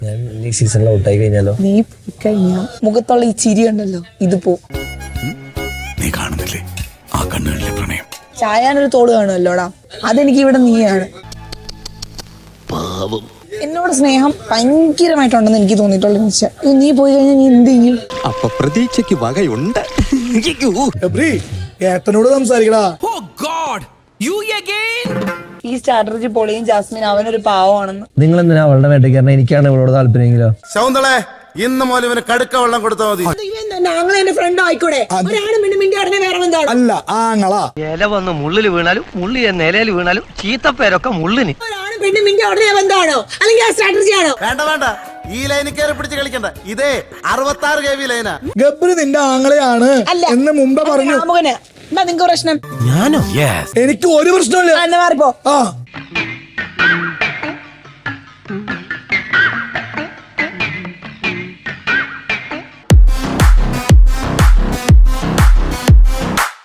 ഞാൻ ഈ സീസണിൽ ഔട്ടായി കഴിഞ്ഞാലോ? നീ കഴിഞ്ഞാ മുഖത്തുള്ള ഈ ചിരി ഉണ്ടല്ലോ ഇത് പോ. നീ കാണുന്നില്ലേ ആ കണ്ണുകളിലെ പ്രണയം? ചായാനൊരു തോട് കാണുമല്ലോടാ, അതെനിക്ക് ഇവിടെ നീയാണ്. എന്നോട് സ്നേഹം ഭയങ്കരമായിട്ടുണ്ടെന്ന് എനിക്ക് തോന്നിയിട്ടുള്ള നിമിഷം. നീ പോയി കഴിഞ്ഞാൽ നീ എന്ത് ചെയ്യും? അപ്പൊ പ്രതീക്ഷയ്ക്ക് വകയുണ്ട്. ഏട്ടനോട് സംസാരിക്കടാ. ഈ സ്ട്രാറ്റജി പൊളിയും ജാസ്മിൻ അവനൊരു പാവമാണെന്ന്. നിങ്ങൾ എന്തിനാ അവളുടെ വേട്ടയ്ക്ക് കാരണം എനിക്കാണ് ഇവളോട് താല്പര്യമെങ്കിലോ? ശൗന്തളെ ഇന്ന് മോലും ഇവന് കടുക്ക വെള്ളം കൊടുത്താൽ മതി. അല്ല ആങ്ങളാ. ഇല വന്ന് മുള്ളില് വീണാലും മുള്ളിയ നിലയിൽ വീണാലും ചീത്തപ്പേരൊക്കെ മുള്ളിന്. വേണ്ട വേണ്ട, ഈ ലൈനിൽ കയറി പിടിച്ച് കളിക്കണ്ട. ഇതേ 66 kV ലൈനാ. ഗബ്രി നിന്റെ ആങ്ങളെയാണ് എന്ന് മുമ്പേ പറഞ്ഞു. നിങ്ങൾക്ക് പ്രശ്നം? എനിക്ക് ഒരു പ്രശ്നമില്ല. മാറിപ്പോ. ആ